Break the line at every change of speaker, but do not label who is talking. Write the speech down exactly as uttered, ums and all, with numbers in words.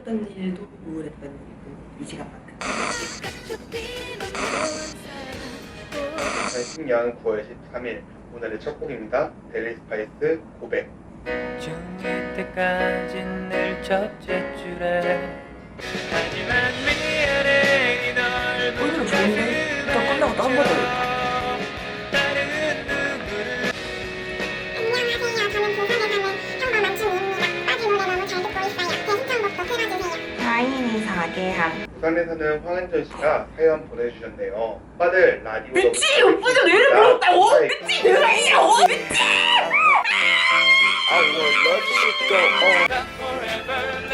기뻤던 일도 우울했던 일도 이 시간만큼.
이천십 년 구월 십삼일 오늘의 첫 곡입니다. 델리 스파이스 고백.
중일 때까지 늘 첫째 줄에 하지만 미안해 널
오늘은 좋은데? 또 끝나고 또 한 번 더 올까?
다른 누구를
안녕하세요. 저는 부산에 사는 평범한 춤입니다. 빠지 노래 너무 잘 듣고 있어요. 제 신청곡도 틀어주세요.
사인이 사계함.
부산에 사는 황은전 씨가 사연 보내주셨네요. 오빠들 라디오로
그치! 오빠가 노래를 불렀다고! 그치! 내가 아니냐고! 그치!
I will let you go on forever.